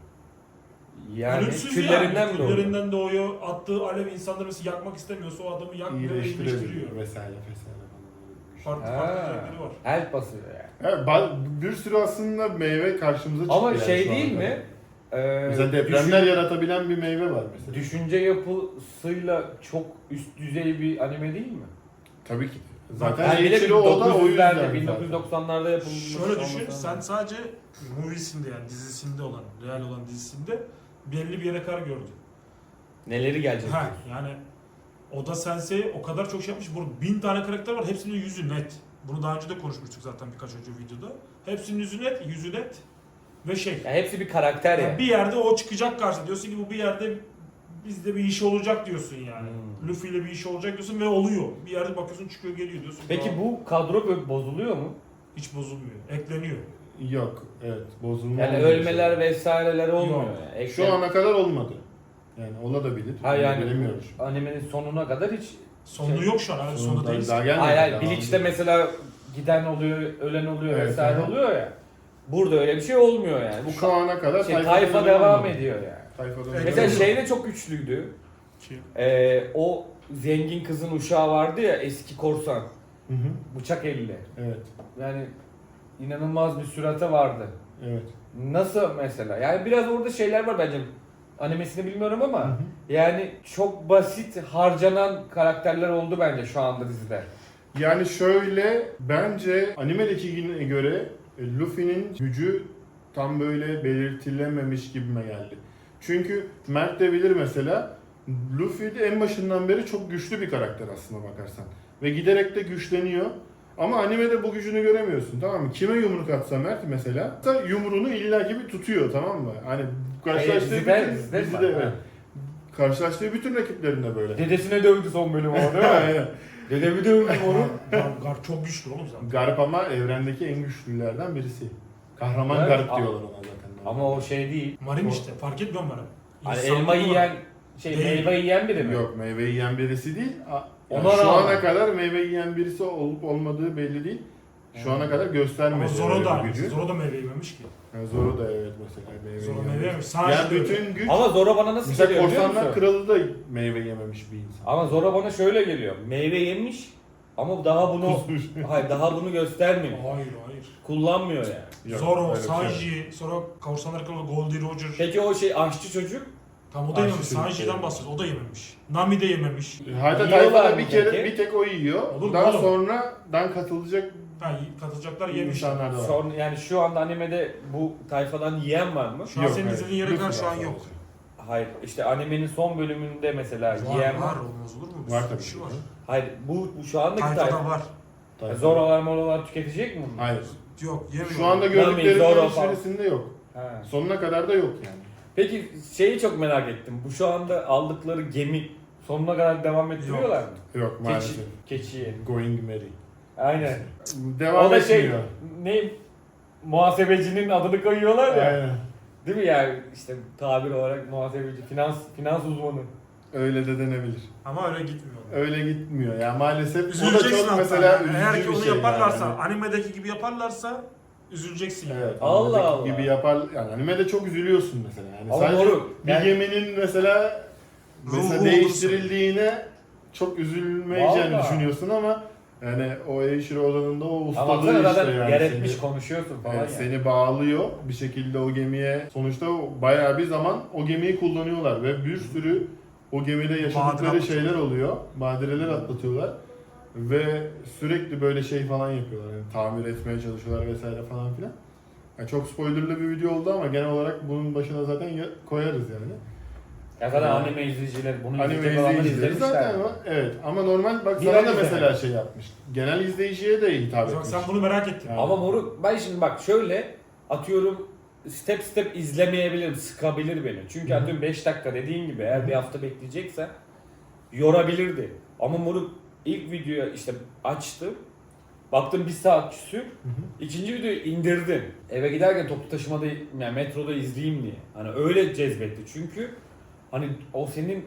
[SPEAKER 2] Yani
[SPEAKER 3] ölümsüz
[SPEAKER 2] küllerinden
[SPEAKER 3] yani.
[SPEAKER 2] mi doğdu?
[SPEAKER 3] Küllerinden doğuyor. Attığı alev insanları mesela yakmak istemiyorsa o adamı yakmıyor ve iyileştiriyor.
[SPEAKER 1] İyileştirebiliyor vesaire vesaire falan.
[SPEAKER 3] Farklı farklı
[SPEAKER 2] Ha,
[SPEAKER 3] özellikleri var.
[SPEAKER 2] help basıyor yani.
[SPEAKER 1] Evet, ba- bir sürü aslında meyve karşımıza çıktı.
[SPEAKER 2] Ama
[SPEAKER 1] yani
[SPEAKER 2] şey
[SPEAKER 1] şu
[SPEAKER 2] değil
[SPEAKER 1] ana
[SPEAKER 2] mi?
[SPEAKER 1] kadar.
[SPEAKER 2] Ee,
[SPEAKER 1] Mesela depremler yaratabilen bir meyve var mesela.
[SPEAKER 2] Düşünce yapısıyla çok üst düzey bir anime değil mi?
[SPEAKER 1] Tabii ki. Zaten
[SPEAKER 2] Yani bir de
[SPEAKER 1] Eiichiro Oda o yüzden.
[SPEAKER 2] dokuz yüzlerde,
[SPEAKER 1] zaten.
[SPEAKER 2] bin dokuz yüz doksanlarda yapılmış.
[SPEAKER 3] Şöyle düşün,
[SPEAKER 2] olması
[SPEAKER 3] sen
[SPEAKER 2] lazım.
[SPEAKER 3] sadece moviesinde yani dizisinde olan, real olan dizisinde belli bir yere kadar gördün.
[SPEAKER 2] Neleri gelecek?
[SPEAKER 3] Ha, yani Oda Sensei o kadar çok şey yapmış. Burada bin tane karakter var, hepsinin yüzü net. Bunu daha önce de konuşmuştuk zaten birkaç önce videoda. Hepsinin yüzü net, yüzü net ve şey.
[SPEAKER 2] Ya hepsi bir karakter
[SPEAKER 3] Yani
[SPEAKER 2] ya.
[SPEAKER 3] bir yerde o çıkacak karşı diyorsun ki bu bir yerde bizde bir iş olacak diyorsun yani.
[SPEAKER 2] Hmm.
[SPEAKER 3] Luffy ile bir iş olacak diyorsun ve oluyor. Bir yerde bakıyorsun çıkıyor geliyor diyorsun.
[SPEAKER 2] Peki
[SPEAKER 3] Aa,
[SPEAKER 2] bu kadro böyle bozuluyor mu?
[SPEAKER 3] hiç bozulmuyor. Ekleniyor.
[SPEAKER 1] Yok, evet. Bozulma
[SPEAKER 2] Yani
[SPEAKER 1] olmuyor
[SPEAKER 2] ölmeler
[SPEAKER 1] şey.
[SPEAKER 2] vesaireler olmuyor
[SPEAKER 3] Yok.
[SPEAKER 2] yani.
[SPEAKER 1] Şu
[SPEAKER 2] Eklem-
[SPEAKER 1] ana kadar olmadı. Yani olabilir.
[SPEAKER 2] Ha yani
[SPEAKER 1] bilemiyoruz.
[SPEAKER 2] bu animenin sonuna kadar hiç...
[SPEAKER 3] Sonu
[SPEAKER 2] Şey-
[SPEAKER 3] yok şu an. Hani sonunda
[SPEAKER 1] Daha-
[SPEAKER 3] değiliz.
[SPEAKER 1] daha gelmedi.
[SPEAKER 2] Hayır hayır
[SPEAKER 1] Daha
[SPEAKER 2] Bleach'te
[SPEAKER 1] olmadı.
[SPEAKER 2] mesela giden oluyor, ölen oluyor
[SPEAKER 1] Evet,
[SPEAKER 2] vesaire
[SPEAKER 1] aha.
[SPEAKER 2] oluyor ya. Burada öyle bir şey olmuyor yani. Bu
[SPEAKER 1] Şu ana kadar
[SPEAKER 2] şey,
[SPEAKER 1] tayfada
[SPEAKER 2] tayfa
[SPEAKER 1] öyle
[SPEAKER 2] devam
[SPEAKER 1] olmadı.
[SPEAKER 2] ediyor yani.
[SPEAKER 1] Tayfada
[SPEAKER 3] Evet,
[SPEAKER 1] öyle
[SPEAKER 2] Mesela
[SPEAKER 1] olmadı.
[SPEAKER 2] şey de çok güçlüydü.
[SPEAKER 3] Ki-
[SPEAKER 2] Ee, o zengin kızın uşağı vardı ya, eski korsan.
[SPEAKER 1] Hı hı.
[SPEAKER 2] Bıçak elli.
[SPEAKER 1] Evet.
[SPEAKER 2] Yani inanılmaz bir sürate vardı.
[SPEAKER 1] Evet.
[SPEAKER 2] Nasıl mesela? Yani biraz orada şeyler var bence. Animesini bilmiyorum ama
[SPEAKER 1] Hı hı.
[SPEAKER 2] yani çok basit harcanan karakterler oldu bence şu anda dizide.
[SPEAKER 1] Yani şöyle, bence animedeki göre e, Luffy'nin gücü tam böyle belirtilememiş gibime geldi. Çünkü Mert de bilir mesela, Luffy de en başından beri çok güçlü bir karakter aslına bakarsan. Ve giderek de güçleniyor. Ama animede bu gücünü göremiyorsun, tamam mı? Kime yumruk atsa Mert mesela, da yumruğunu illaki bir tutuyor, tamam mı? Hani karşılaştığı
[SPEAKER 2] dizide-
[SPEAKER 1] bütün,
[SPEAKER 2] dizide mi
[SPEAKER 1] dizide,
[SPEAKER 2] var?
[SPEAKER 1] evet. Karşılaştığı bütün rakiplerinde böyle.
[SPEAKER 2] Dedesine dövdü son bölüm o değil mi?
[SPEAKER 1] Aynen.
[SPEAKER 2] Dedemi dövdü onu.
[SPEAKER 3] Gar, Gar çok güçlü oğlum zaten.
[SPEAKER 1] Garp ama evrendeki en güçlülerden birisi. Kahraman
[SPEAKER 2] Evet,
[SPEAKER 1] Garp
[SPEAKER 2] ama-
[SPEAKER 1] diyorlar ona zaten.
[SPEAKER 2] Ama o şey değil.
[SPEAKER 3] Marin işte fark etmiyor mu bana?
[SPEAKER 2] Hani
[SPEAKER 3] İnsanlık
[SPEAKER 2] elma
[SPEAKER 3] olarak.
[SPEAKER 2] yiyen, şey
[SPEAKER 3] Değil.
[SPEAKER 2] meyve yiyen biri mi?
[SPEAKER 1] Yok, meyve yiyen birisi değil. A- yani
[SPEAKER 2] Ona
[SPEAKER 1] şu
[SPEAKER 2] rağmen.
[SPEAKER 1] ana kadar meyve yiyen birisi olup olmadığı belli değil. Şu ana kadar göstermedi.
[SPEAKER 3] Ama Zoro
[SPEAKER 1] öyle
[SPEAKER 3] da
[SPEAKER 1] bir gücü.
[SPEAKER 3] Zoro da meyve yememiş ki.
[SPEAKER 1] Yani Zoro da evet mesela meyve
[SPEAKER 3] Zoro
[SPEAKER 1] yiyen
[SPEAKER 3] meyve
[SPEAKER 1] birisi.
[SPEAKER 3] yemiş. Sanji
[SPEAKER 1] Yani
[SPEAKER 3] de öyle.
[SPEAKER 1] bütün güç...
[SPEAKER 2] Ama Zoro bana nasıl
[SPEAKER 1] Mesela
[SPEAKER 2] geliyor biliyor
[SPEAKER 1] Korsanlar
[SPEAKER 2] musun?
[SPEAKER 1] Kralı da meyve yememiş bir insan.
[SPEAKER 2] Ama Zoro bana şöyle geliyor. Meyve yemiş ama daha bunu
[SPEAKER 1] Kusmuş.
[SPEAKER 2] hayır daha bunu göstermiyor.
[SPEAKER 3] Hayır hayır.
[SPEAKER 2] Kullanmıyor yani.
[SPEAKER 1] Yok,
[SPEAKER 3] Zoro,
[SPEAKER 1] öyle bir şey yok.
[SPEAKER 3] Sanji, sonra Korsanlar Kralı Goldie Roger.
[SPEAKER 2] Peki o şey aşçı çocuk
[SPEAKER 3] Tam o da yememiş.
[SPEAKER 1] Aşçı
[SPEAKER 3] Sanji'den
[SPEAKER 1] çocuk.
[SPEAKER 3] bahsediyoruz. O da yememiş. Nami de yememiş.
[SPEAKER 1] Hatta
[SPEAKER 2] Yiyorlar
[SPEAKER 1] tayfada
[SPEAKER 2] mı
[SPEAKER 1] bir kere
[SPEAKER 2] peki?
[SPEAKER 1] bir tek o yiyor.
[SPEAKER 3] Olur mu
[SPEAKER 1] Daha
[SPEAKER 3] oğlum?
[SPEAKER 1] sonradan katılacak
[SPEAKER 3] Ha, katılacaklar yemiş.
[SPEAKER 1] insanlar da var.
[SPEAKER 2] sonra yani şu anda animede bu tayfadan yiyen var mı?
[SPEAKER 3] Şu an
[SPEAKER 1] Yok,
[SPEAKER 3] senin
[SPEAKER 1] hayır.
[SPEAKER 3] izlediğin yere
[SPEAKER 1] Luffy
[SPEAKER 3] kadar şu
[SPEAKER 1] var
[SPEAKER 3] an
[SPEAKER 1] sadece.
[SPEAKER 3] yok.
[SPEAKER 2] Hayır işte animenin son bölümünde mesela
[SPEAKER 3] Var
[SPEAKER 2] yiyen var.
[SPEAKER 3] var olmaz olur mu? Bir
[SPEAKER 1] Var
[SPEAKER 3] sürü
[SPEAKER 1] tabii
[SPEAKER 3] kişi
[SPEAKER 1] ki.
[SPEAKER 3] var.
[SPEAKER 2] Hayır bu, bu şu andaki
[SPEAKER 3] Tayfada
[SPEAKER 2] tayfa.
[SPEAKER 3] var.
[SPEAKER 1] Tayfa.
[SPEAKER 2] Zoro'lar morolar tüketecek mi bunu?
[SPEAKER 1] Hayır.
[SPEAKER 3] Yok yemiyor.
[SPEAKER 1] Şu anda
[SPEAKER 2] Zoro
[SPEAKER 1] gördüklerimizin
[SPEAKER 2] falan.
[SPEAKER 1] içerisinde yok.
[SPEAKER 2] Ha.
[SPEAKER 1] Sonuna kadar da yok yani.
[SPEAKER 2] Peki şeyi çok merak ettim. Bu şu anda aldıkları gemi sonuna kadar devam ettiriyorlar mı?
[SPEAKER 1] Yok
[SPEAKER 2] Keçi,
[SPEAKER 1] maalesef.
[SPEAKER 2] keçiyi.
[SPEAKER 1] Going Merry.
[SPEAKER 2] Aynen.
[SPEAKER 1] Devam
[SPEAKER 2] o da şey
[SPEAKER 1] etmiyor.
[SPEAKER 2] ne muhasebecinin adını koyuyorlar ya.
[SPEAKER 1] Aynen.
[SPEAKER 2] Değil mi yani işte tabir olarak muhasebeci, finans finans uzmanı.
[SPEAKER 1] Öyle de denebilir.
[SPEAKER 3] Ama öyle gitmiyor.
[SPEAKER 1] Öyle gitmiyor ya maalesef. O da
[SPEAKER 3] Üzüleceksin
[SPEAKER 1] çok
[SPEAKER 3] hatta.
[SPEAKER 1] mesela
[SPEAKER 3] Yani.
[SPEAKER 1] üzücü
[SPEAKER 3] Eğer ki
[SPEAKER 1] bir
[SPEAKER 3] onu
[SPEAKER 1] şey
[SPEAKER 3] yaparlarsa,
[SPEAKER 1] yani.
[SPEAKER 3] animedeki gibi yaparlarsa üzüleceksin. yani.
[SPEAKER 1] Evet.
[SPEAKER 2] Allah
[SPEAKER 1] animedeki
[SPEAKER 2] Allah.
[SPEAKER 1] gibi yapar yani animede çok üzülüyorsun mesela. Yani
[SPEAKER 2] Ama
[SPEAKER 1] sadece
[SPEAKER 2] moruk,
[SPEAKER 1] bir
[SPEAKER 2] yani-
[SPEAKER 1] geminin mesela mesela
[SPEAKER 3] Ruhu
[SPEAKER 1] değiştirildiğine çok üzülmeyeceğini
[SPEAKER 2] Vallahi.
[SPEAKER 1] düşünüyorsun ama yani o Eiichiro Oda'nın da o
[SPEAKER 2] Ama
[SPEAKER 1] ustalığı
[SPEAKER 2] baksana
[SPEAKER 1] işte
[SPEAKER 2] zaten
[SPEAKER 1] yani
[SPEAKER 2] yer etmiş
[SPEAKER 1] seni,
[SPEAKER 2] konuşuyorsun falan
[SPEAKER 1] evet,
[SPEAKER 2] yani.
[SPEAKER 1] seni bağlıyor bir şekilde o gemiye. Sonuçta bayağı bir zaman o gemiyi kullanıyorlar ve bir sürü o gemide yaşadıkları
[SPEAKER 3] Badire
[SPEAKER 1] şeyler oluyor. Badireler atlatıyorlar. Ve sürekli böyle şey falan yapıyorlar. Yani tamir etmeye çalışıyorlar vesaire falan filan. Yani çok spoilerlı bir video oldu ama genel olarak bunun başına zaten ya- koyarız yani.
[SPEAKER 2] Ya zaten
[SPEAKER 1] Yani-
[SPEAKER 2] anime izleyiciler bunu
[SPEAKER 1] Anime
[SPEAKER 2] izleyecek olanlar
[SPEAKER 1] izleyicileri
[SPEAKER 2] izlemişler.
[SPEAKER 1] zaten ama evet ama normal bak
[SPEAKER 2] Bir
[SPEAKER 1] sana
[SPEAKER 2] ay
[SPEAKER 1] da mesela
[SPEAKER 2] izlemedim.
[SPEAKER 1] şey yapmış. Genel izleyiciye de hitap
[SPEAKER 3] Bak
[SPEAKER 1] etmiş.
[SPEAKER 3] sen bunu merak ettin.
[SPEAKER 1] Yani.
[SPEAKER 2] Ama moruk ben şimdi bak şöyle atıyorum step step izlemeyebilirim, sıkabilir beni. Çünkü
[SPEAKER 1] Hı hı.
[SPEAKER 2] atıyorum beş dakika dediğin gibi
[SPEAKER 1] Hı
[SPEAKER 2] eğer
[SPEAKER 1] hı.
[SPEAKER 2] bir hafta bekleyecekse yorabilirdi. Ama moruk ilk videoya işte açtım. Baktım bir saat küsür.
[SPEAKER 1] Hı hı.
[SPEAKER 2] İkinci videoyu indirdim. Eve giderken toplu taşımada yani metroda izleyeyim diye. Hani öyle cezbetti. Çünkü hani o senin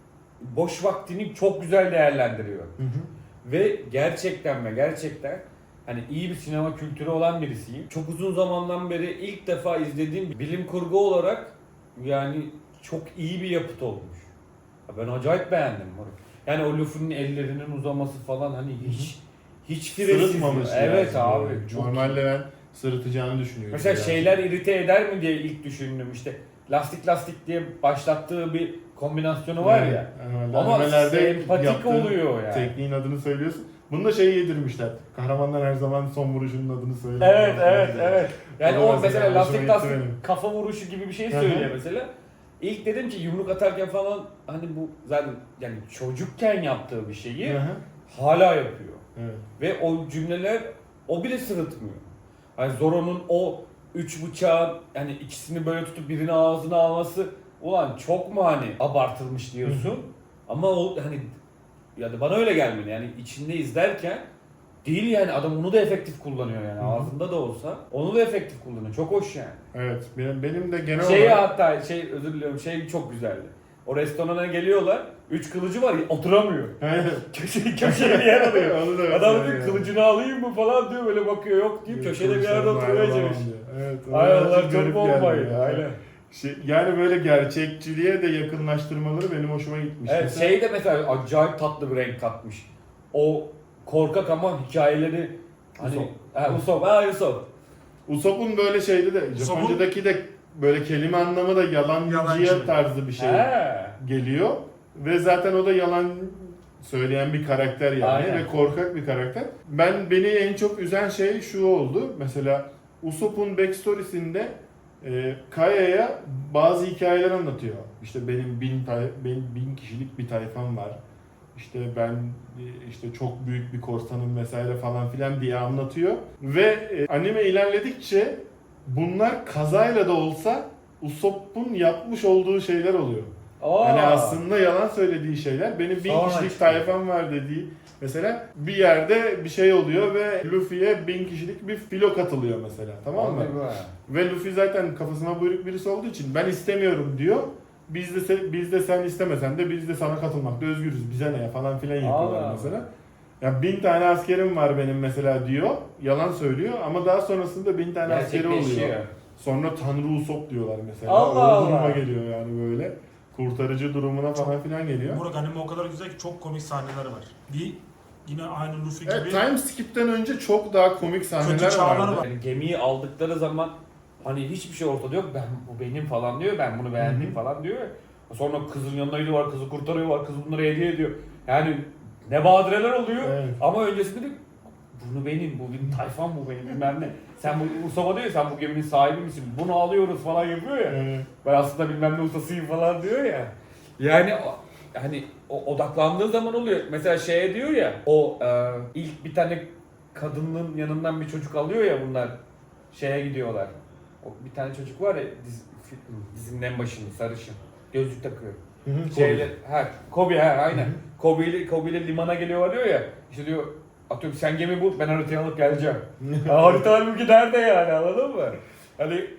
[SPEAKER 2] boş vaktini çok güzel değerlendiriyor.
[SPEAKER 1] Hı hı.
[SPEAKER 2] Ve gerçekten ve gerçekten hani iyi bir sinema kültürü olan birisiyim. Çok uzun zamandan beri ilk defa izlediğim bilim kurgu olarak yani çok iyi bir yapıt olmuş. Ya ben acayip beğendim moruk. Yani o Luffy'nin ellerinin uzaması falan hani hiç hiç fresiz.
[SPEAKER 1] Sırıtmamış
[SPEAKER 2] Evet
[SPEAKER 1] yani.
[SPEAKER 2] abi. Çok
[SPEAKER 1] Normalde
[SPEAKER 2] iyi.
[SPEAKER 1] ben sırıtacağını düşünüyorum.
[SPEAKER 2] Mesela
[SPEAKER 1] yani.
[SPEAKER 2] şeyler irite eder mi diye ilk düşündüm işte. Lastik lastik diye başlattığı bir kombinasyonu var
[SPEAKER 1] Evet,
[SPEAKER 2] ya.
[SPEAKER 1] normalde
[SPEAKER 2] Ama
[SPEAKER 1] animelerde
[SPEAKER 2] sempatik
[SPEAKER 1] yaptığın
[SPEAKER 2] oluyor yani.
[SPEAKER 1] Tekniğin adını söylüyorsun. Bunu da şey yedirmişler. Kahramanlar her zaman son vuruşunun adını söyler.
[SPEAKER 2] Evet evet evet. Yani
[SPEAKER 1] O da
[SPEAKER 2] o
[SPEAKER 1] mesela
[SPEAKER 2] mesela
[SPEAKER 1] hoşuma
[SPEAKER 2] lastik
[SPEAKER 1] gitti
[SPEAKER 2] lastik
[SPEAKER 1] benim.
[SPEAKER 2] kafa vuruşu gibi bir şey
[SPEAKER 1] Hı hı.
[SPEAKER 2] söylüyor mesela. İlk dedim ki yumruk atarken falan hani bu zaten yani çocukken yaptığı bir şeyi
[SPEAKER 1] Hı hı.
[SPEAKER 2] hala yapıyor.
[SPEAKER 1] Evet.
[SPEAKER 2] Ve o cümleler o bile sırıtmıyor. Hani Zoro'nun o üç bıçağın yani ikisini böyle tutup birini ağzına alması ulan çok mu hani abartılmış diyorsun.
[SPEAKER 1] Hı hı.
[SPEAKER 2] Ama o hani yani bana öyle gelmedi yani içinde izlerken değil yani adam onu da efektif kullanıyor yani
[SPEAKER 1] Hı hı.
[SPEAKER 2] ağzında da olsa onu da efektif kullanıyor. Çok hoş yani.
[SPEAKER 1] Evet. Benim, benim de genel
[SPEAKER 2] Şey
[SPEAKER 1] olarak...
[SPEAKER 2] hatta şey özür diliyorum şey çok güzeldi. O restorana geliyorlar. Üç kılıcı var oturamıyor.
[SPEAKER 1] Evet.
[SPEAKER 2] Köşe, köşeye bir yer alıyor.
[SPEAKER 1] Onu da
[SPEAKER 2] Adam
[SPEAKER 1] mesela
[SPEAKER 2] diyor
[SPEAKER 1] yani.
[SPEAKER 2] kılıcını alayım mı falan diyor böyle bakıyor yok deyip köşede bir yerde oturuyor Ecemiş.
[SPEAKER 1] Evet. o
[SPEAKER 2] Ay
[SPEAKER 1] birazcık
[SPEAKER 2] Allah çok
[SPEAKER 1] garip
[SPEAKER 2] bombaydı
[SPEAKER 1] geldi ya.
[SPEAKER 2] aynen.
[SPEAKER 1] Şey, yani böyle gerçekçiliğe de yakınlaştırmaları benim hoşuma gitmiş.
[SPEAKER 2] Evet
[SPEAKER 1] Mesela-
[SPEAKER 2] şey de mesela acayip tatlı bir renk katmış. O korkak ama hikayeleri hani
[SPEAKER 1] Usopp.
[SPEAKER 2] ha Usopp ha Usopp.
[SPEAKER 1] Usopp'un böyle şeyde de
[SPEAKER 3] Usopp'un-
[SPEAKER 1] Japonca'daki de böyle kelime anlamı da yalancıya
[SPEAKER 3] Yalancı.
[SPEAKER 1] tarzı bir şey
[SPEAKER 2] He.
[SPEAKER 1] geliyor. Ve zaten o da yalan söyleyen bir karakter yani
[SPEAKER 2] Aynen.
[SPEAKER 1] ve korkak bir karakter. Ben beni en çok üzen şey şu oldu. Mesela Usopp'un backstory'sinde e, Kaya'ya bazı hikayeler anlatıyor. İşte benim bin, tay- benim bin kişilik bir tayfam var. İşte ben e, işte çok büyük bir korsanım vesaire falan filan diye anlatıyor. Ve e, anime ilerledikçe bunlar kazayla da olsa Usopp'un yapmış olduğu şeyler oluyor.
[SPEAKER 2] Aa.
[SPEAKER 1] Hani aslında yalan söylediği şeyler. Benim bin
[SPEAKER 2] Sonra
[SPEAKER 1] kişilik
[SPEAKER 2] çıkıyor.
[SPEAKER 1] tayfam var dediği. Mesela bir yerde bir şey oluyor ve Luffy'ye bin kişilik bir filo katılıyor mesela. Tamam mı?
[SPEAKER 2] Hadi be.
[SPEAKER 1] Ve Luffy zaten kafasına buyruk birisi olduğu için ben istemiyorum diyor. Biz de se- biz de sen istemesen de biz de sana katılmakta özgürüz. Bize ne ya falan filan yapıyorlar
[SPEAKER 2] Allah
[SPEAKER 1] mesela. Ya bin tane askerim var benim mesela diyor. Yalan söylüyor ama daha sonrasında bin tane askeri oluyor.
[SPEAKER 2] Gerçekleşiyor.
[SPEAKER 1] Sonra Tanrı Usopp diyorlar mesela.
[SPEAKER 2] Allah
[SPEAKER 1] o duruma
[SPEAKER 2] Allah.
[SPEAKER 1] geliyor yani böyle. Kurtarıcı durumuna falan filan geliyor.
[SPEAKER 3] Burak anime o kadar güzel ki çok komik sahneler var. Bir yine aynı Luffy
[SPEAKER 1] Evet,
[SPEAKER 3] gibi
[SPEAKER 1] time skip'ten önce çok daha komik sahneler
[SPEAKER 3] Kötü çağlar
[SPEAKER 1] vardı.
[SPEAKER 3] var.
[SPEAKER 2] Yani gemiyi aldıkları zaman hani hiçbir şey ortada yok. Ben bu benim falan diyor. Ben bunu beğendim
[SPEAKER 1] Hı hı.
[SPEAKER 2] falan diyor. Sonra kızın yanına gidiyor, kızı kurtarıyor, kız bunları hediye ediyor. Yani ne badireler oluyor.
[SPEAKER 1] Evet.
[SPEAKER 2] Ama öncesinde de bunu benim, bu benim tayfam bu benim bilmem ne. Sen bu Usopp'a diyor sen bu geminin sahibi misin? Bunu alıyoruz falan yapıyor ya.
[SPEAKER 1] Evet.
[SPEAKER 2] Ben aslında bilmem ne ustasıyım falan diyor ya. Yani o- hani o odaklandığı zaman oluyor. Mesela şeye diyor ya o e, ilk bir tane kadının yanından bir çocuk alıyor ya bunlar şeye gidiyorlar. O bir tane çocuk var ya diz, fi- dizinin en başında sarışın. Gözlük takıyor.
[SPEAKER 1] Hı hı,
[SPEAKER 2] Şeyle ha Kobe ha aynen.
[SPEAKER 1] Hı hı.
[SPEAKER 2] Kobe ile Kobe ile limana geliyorlar diyor ya. İşte diyor atıyorum sen gemi bul ben haritayı alıp geleceğim. Ha, harita halbuki nerede yani anladın mı? Hani